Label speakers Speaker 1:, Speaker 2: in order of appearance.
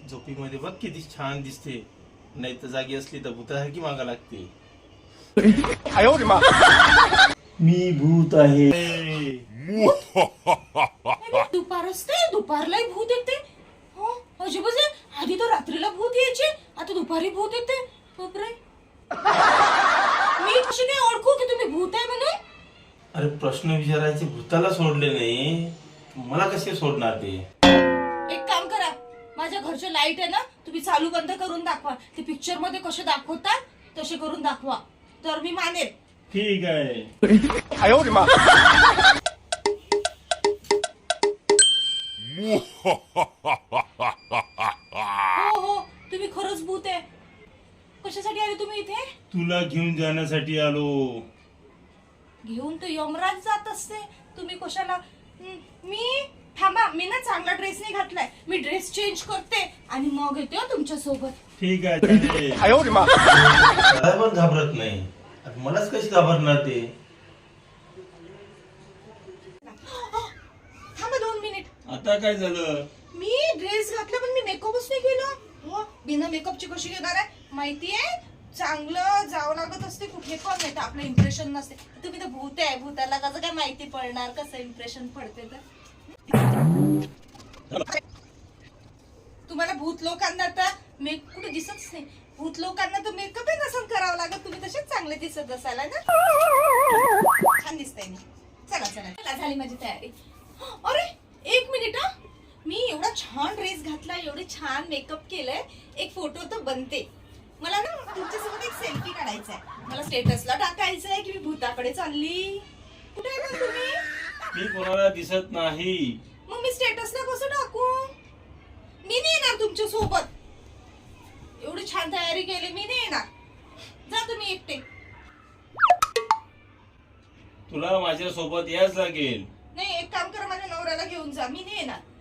Speaker 1: झोपीमध्ये बघ किती छान दिसते, नाही तर जागी असली तर भूतासारखी मागा लागते. मी भूत आहे.
Speaker 2: दुपार असते, दुपारलाही भूत येते. हो अजिबात. आधी तर रात्रीला भूत यायचे, आता दुपारी भूत येते. बापरे. मी कशी काय ओळखू की तुम्ही भूत आहे म्हणून?
Speaker 1: अरे प्रश्न विचारायचे भूताला सोडले नाही, मला कसे सोडणार ते?
Speaker 2: एक काम करा, माझ्या घरचे लाईट आहे ना, तुम्ही चालू बंद करून दाखवा. ते पिक्चर मध्ये कसे दाखवतात तसे करून दाखवा, तर मी मानेल.
Speaker 1: ठीक आहे.
Speaker 2: हो हो, तुम्ही खरंच भूत आहे. कशासाठी आले तुम्ही इथे?
Speaker 1: तुला घेऊन जाण्यासाठी आलो.
Speaker 2: घेऊन तर यमराज जात असते, तुम्ही कशाला? मी थांबा, मी ना चांगला ड्रेस नाही घातलाय, मी ड्रेस चेंज करते आणि मग येते हो तुमच्या सोबत.
Speaker 1: ठीक आहे चालेल. काय पण घाबरत नाही, आता मलाच कशी घाबरणार ते?
Speaker 2: थांबा 2 मिनिट.
Speaker 1: आता काय झालं?
Speaker 2: मी ड्रेस घातला पण मी मेकअपच नाही केला. हो, बिना मेकअपची कशी घेणार आहे? माहितीये, चांगलं जावं लागत असते कुठे पण, नाही तर आपलं इम्प्रेशन नसते. तुम्ही तर भूत आहे, भूताला कसं काय माहिती पडणार कसं इम्प्रेशन पडते तर? तुम्हाला भूत लोकांना तर कुठे दिसतच नाही. भूत लोकांना तर मेकअप नसन करावं लागत, तुम्ही तसेच चांगले दिसत असाल ना. छान दिसतंय मी. चला चला चला, झाली माझी तयारी. अरे 1 मिनिट हा, मी एवढा छान ड्रेस घातला, एवढे छान मेकअप केलंय, एक फोटो तर बनते. मला ना तुमच्यासोबत एक सेल्फी काढायचा आहे, मला स्टेटसला टाकायचं आहे की मी भूताकडे चालली. कुठे आहे मग तुम्ही?
Speaker 1: मी कोणाला दिसत नाही.
Speaker 2: मग मी स्टेटसला कसं टाकू? मी नाही येणार तुमच्या सोबत. एवढी छान तयारी केली, मी नाही येणार. जा तुम्ही एकटे.
Speaker 1: तुला माझ्या सोबत याच लागेल.
Speaker 2: नाही, एक काम करा, माझ्या नवऱ्याला घेऊन जा, मी नाही येणार.